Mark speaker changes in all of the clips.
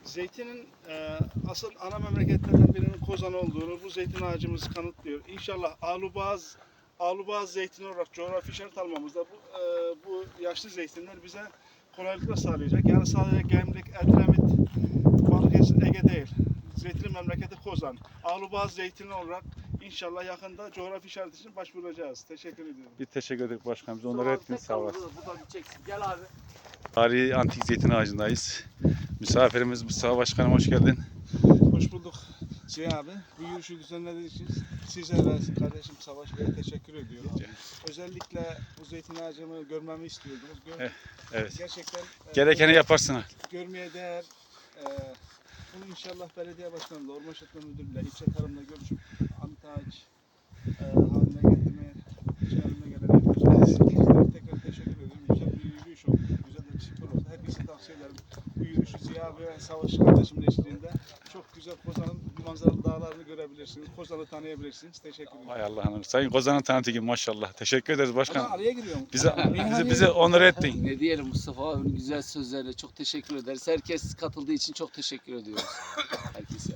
Speaker 1: Zeytinin asıl ana memleketlerinden birinin Kozan olduğunu bu zeytin ağacımız kanıtlıyor. İnşallah Ağluboğaz zeytini olarak coğrafi işaret almamızda bu yaşlı zeytinler bize kolaylıkla sağlayacak. Yani sadece Gemlik, Edremit, Balıkesir, Ege değil. Zeytinin memleketi Kozan. Ağluboğaz zeytini olarak İnşallah yakında coğrafi işaret için başvuracağız. Teşekkür ediyorum.
Speaker 2: Bir teşekkür ederim başkanım. Biz onları ettiniz, sağ olasın.
Speaker 3: Bu da bir çeksin. Gel abi.
Speaker 2: Tarihi antik zeytin ağacındayız. Misafirimiz Mustafa Başkanım, hoş geldin.
Speaker 1: Hoş bulduk Ziya abi. Bu yürüyüşü düzenlediğiniz için size ve kardeşim Savaş Bey'e teşekkür ediyorum. Özellikle bu zeytin ağacımı görmemi istiyordunuz.
Speaker 2: Evet.
Speaker 1: Gerçekten
Speaker 2: Gerekeni yaparsın.
Speaker 1: görmeye değer. Bunu inşallah belediye başkanıyla, Orman İşletme Müdürü'yle, ilçe tarımla görüşüp anıt ağaç haline getirmeye haline gelen arkadaşlar tekrar teşekkür ediyorum. Güzel bir yürüyüş oldu. Güzel bir spor oldu. Herkese tavsiye ederim. Bu yürüyüşü Ziya ve Savaş kardeşimle eşliğinde çok güzel Kozan'ın manzaralı dağlarını görebilirsiniz. Kozan'ı tanıyabilirsiniz. Teşekkür ederim.
Speaker 2: Hay Allah'ım. Sayın Kozan'ın tanıtı maşallah. Teşekkür ederiz başkanım.
Speaker 1: Ama araya giriyorum.
Speaker 2: Bize onur ettin.
Speaker 3: Ne diyelim, Mustafa abinin güzel sözlerine çok teşekkür ederiz. Herkes katıldığı için çok teşekkür ediyoruz. Herkese.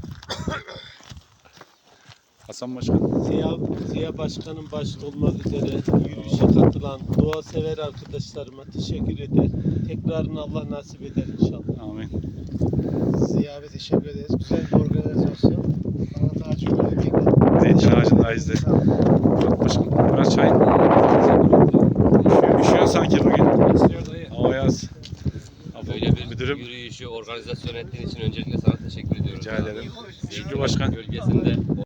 Speaker 2: Hasan Başkan.
Speaker 4: Ziya Başkanım başta olmak üzere yürüyüşe katılan doğa sever arkadaşlarıma teşekkür eder. Tekrarını Allah nasip eder inşallah.
Speaker 2: Amin.
Speaker 5: Ziya abi teşekkür ederiz. Güzel bir organizasyon. Anıt ağacı gördük.
Speaker 2: Zeytin ağacındayız de. Murat Başkan. Murat Çay. Üşüyor sanki bugün. Hava yaz.
Speaker 6: Böyle bir
Speaker 2: Müdürüm.
Speaker 6: yürüyüşü organizasyon ettiğin için öncelikle sana teşekkür ediyoruz.
Speaker 2: Rica ederim. Şükrü Başkan.
Speaker 6: Gölgesinde